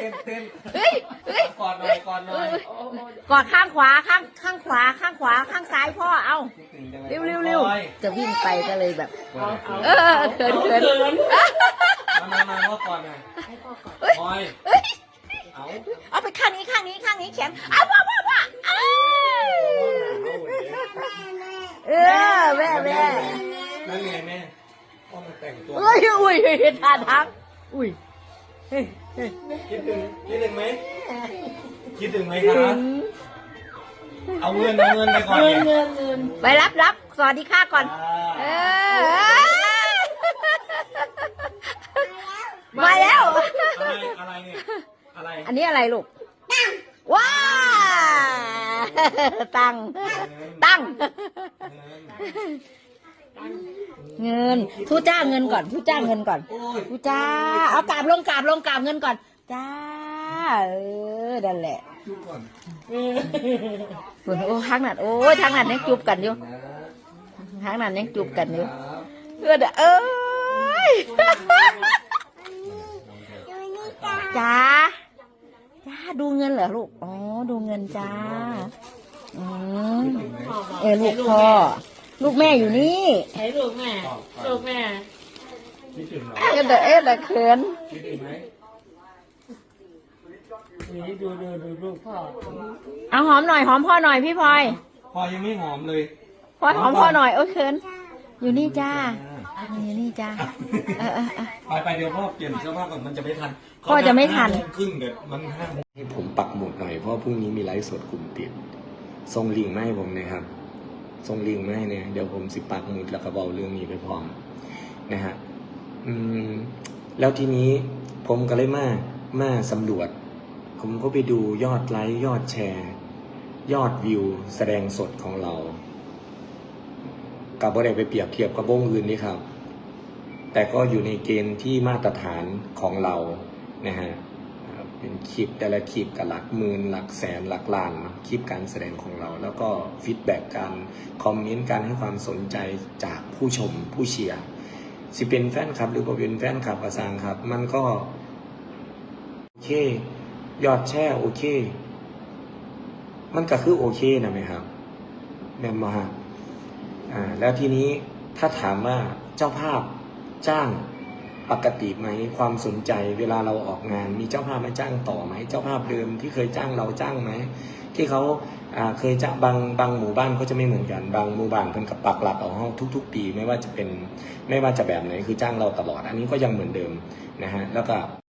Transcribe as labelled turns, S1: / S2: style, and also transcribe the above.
S1: เต้น
S2: เฮ้ยเฮ้ย
S1: กอดหน่อยกอดหน่อย
S2: กอดข้างขวาข้างขวาข้างซ้ายพ่อเอาเร็วจะวิ่งไปก็เลยแบบเขิน
S1: มาพ่อกอดหน่อยพลอย
S2: เอาไปข้างนี้แขนเอาพ่อแม่
S1: นั่นไงแม่พ่อมาแต่งตัว
S2: อุ้ยเห็นท่าทางอุ้ย
S1: คิดถึงไหมครับเอาเงินไปก่อน
S2: ไปรับสวัสดีค่ะก่อนมาแล้ว
S1: อะไรเนี่ยอะไร
S2: อันนี้อะไรลูกว้าตั้งเงินทูจ้าเงินก่อนทูจ้าเอากราบลงเงินก่อนจ้านั่นแหละโอ้ทางนั้นยังจูบกันอยู่จ้าดูเงินเหรอลูกอ๋อดูเงินจ้าลูกพ่อลูกแม่อยู่นี่
S3: ไหนลูกแม่
S1: คิดถึงเหรอ
S2: เขิน
S1: คิดถึงไหม
S3: นี่ดูลูกพ่อ
S2: เอาหอมหน่อยหอมพ่อหน่อยพี่พลอย
S1: พ่อยังไม่หอมเลย
S2: พลอยหอมพ่อหน่อยเขินอยู่นี่จ้า
S1: ไปเดี๋ยวพ่อเปลี่ยนเสื้อผ้าก่อนมันจะไม่ทัน
S2: พ่อจะไม่ทัน
S1: ครึ่งเดี๋ยวมันให้ผมปักหมุดหน่อยเพราะพรุ่งนี้มีไลฟ์สดกลุ่มปิดส่งลิงก์มาให้ผมนะครับส่งลิงก์มาให้เนี่ยเดี๋ยวผมสิปักหมุดแล้วก็บอกเรื่องนี้ไปพร้อมนะฮะแล้วทีนี้ผมก็เลยมาสำรวจผมก็ไปดูยอดไลค์ยอดแชร์ยอดวิวแสดงสดของเรากับบ่ได้ไปเปรียบเทียบกับวงอื่นนี่ครับแต่ก็อยู่ในเกณฑ์ที่มาตรฐานของเรานะฮะเป็นคลิปแต่ละคลิปกับหลักหมื่นหลักแสนหลักล้านคลิปการแสดงของเราแล้วก็ฟีดแบ็กการคอมเมนต์การให้ความสนใจจากผู้ชมผู้เชียร์สิเป็นแฟนคลับหรือบ่เป็นแฟนคลับกระซังครับมันก็โอเคยอดแชร์โอเคมันก็คือโอเคนะไหมครับแม่มาแล้วทีนี้ถ้าถามว่าเจ้าภาพจ้างปกติไหมความสนใจเวลาเราออกงานมีเจ้าภาพมาจ้างต่อไหมเจ้าภาพเดิมที่เคยจ้างเราจ้างไหมที่เขาเคยจ้างบางหมู่บ้านเขาจะไม่เหมือนกันบางหมู่บ้านเพิ่นกับปักหลักเอาห้องทุกๆปีไม่ว่าจะแบบไหนคือจ้างเราตลอดอันนี้ก็ยังเหมือนเดิมนะฮะแล้วก็